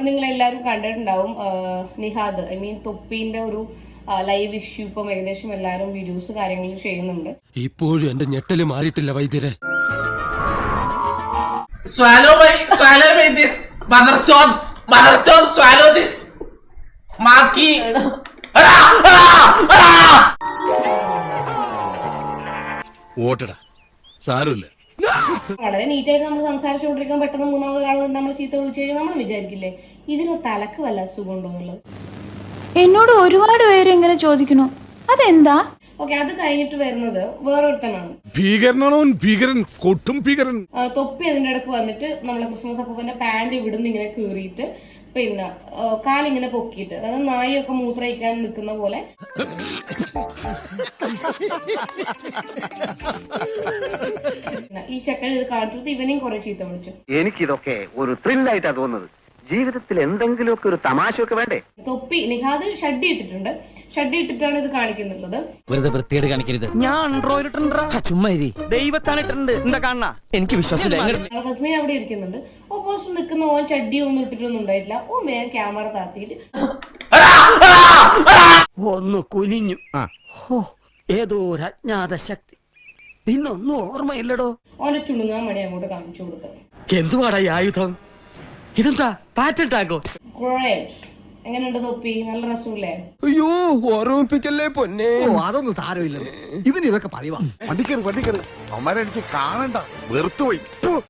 നിങ്ങൾ എല്ലാവരും കണ്ടിട്ടുണ്ടാവും നിഹാദ് തൊപ്പീന്റെ ഒരു ലൈവ് ഇഷ്യൂ ഇപ്പം ഏകദേശം എല്ലാവരും വീഡിയോസ് കാര്യങ്ങളും ചെയ്യുന്നുണ്ട്. ഇപ്പോഴും എന്റെ ഞെട്ടല് മാറിയിട്ടില്ല വൈദ്യരെ. Swallow this. Motherchon, swallow this. Maki. ഓട്ടടാ സാരമില്ല. വളരെ നീറ്റായിട്ട് നമ്മൾ സംസാരിച്ചുകൊണ്ടിരിക്കാൻ പെട്ടെന്ന് മൂന്നാമത് ഒരാൾ നമ്മൾ ചീത്ത വിളിച്ചു കഴിഞ്ഞാൽ നമ്മൾ വിചാരിക്കില്ലേ ഇതിന് തലക്ക് വല്ല അസുഖം ഉണ്ടോ എന്നുള്ളത്. എന്നോട് ഒരുപാട് പേര് ഇങ്ങനെ ചോദിക്കണു, അതെന്താ? ഓക്കെ, അത് കഴിഞ്ഞിട്ട് വരുന്നത് വേറൊരുത്തനാണ്. ഭീകരൻ കൊട്ടും ഭീകരൻ. തൊപ്പി അതിന്റെ ഇടക്ക് വന്നിട്ട് നമ്മളെ ക്രിസ്മസ് അപ്പൂപ്പന്റെ പാന്റ് ഇവിടുന്ന് ഇങ്ങനെ കീറിയിട്ട് പിന്നെ കാലിങ്ങനെ പൊക്കിയിട്ട്, അതായത് നായൊക്കെ മൂത്രയിക്കാൻ നിൽക്കുന്ന പോലെ ഈ ചെക്കൻ ഇത് കാണിച്ചിട്ട് ഇവനെയും കുറെ ചീത്ത വിളിച്ചു. എനിക്കിതൊക്കെ ഒരു ത്രില്ലായിട്ടാ തോന്നുന്നത്. ജീവിതത്തിൽ എന്തെങ്കിലുമൊക്കെ ഒരു തമാശയൊക്കെ വേണ്ടേ? തൊപ്പി നിഹാദ് ഷഡ്ഡി ഇട്ടിട്ടുണ്ട്. ഷഡ്ഡി ഇട്ടിട്ടാണ് ഇത് കാണിക്കുന്നുള്ളത്. വെറുതെ വൃത്തിയോട് കാണിക്കരുത്. ഞാൻ ആൻഡ്രോയിഡ് ചുമ്മാ ദൈവത്താണ് ഇട്ടിട്ടുണ്ട്. എന്താ കാണാ? എനിക്ക് വിശ്വാസമില്ല. ഫസ്മീൻ അവിടെ ഇരിക്കുന്നുണ്ട്. ഓപ്പോസിറ്റ് നിൽക്കുന്ന ഓൻ ഷഡ്ഡി ഒന്നും ഇട്ടിട്ടൊന്നും ഉണ്ടായിട്ടില്ല. ഓ മേൻ ക്യാമറ താത്തിയിട്ട് ഒന്ന് കുനിഞ്ഞു. ഏതോ ഒരു അജ്ഞാത ശക്തി, പിന്നൊന്നും ഓർമ്മയില്ലടോ. ഓന്റെ ചുണുങ്ങാൻ മണി അങ്ങോട്ട് കാണിച്ചു കൊടുത്തു. എന്തുവാടാ ഈ ആയുധം? ഇതെന്താ പാറ്റന്റ് ആകോ? എങ്ങനെയുണ്ട് തൊപ്പി? നല്ല രസമില്ലേ? അയ്യോ ഓർമ്മിപ്പിക്കല്ലേ പൊന്നെ. അതൊന്നും സാരമില്ല. ഇവൻ ഇതൊക്കെ പറയുവാ. വണ്ടിക്കറി അവന്മാരെ എനിക്ക് കാണണ്ട, വെറുത്തുപോയി.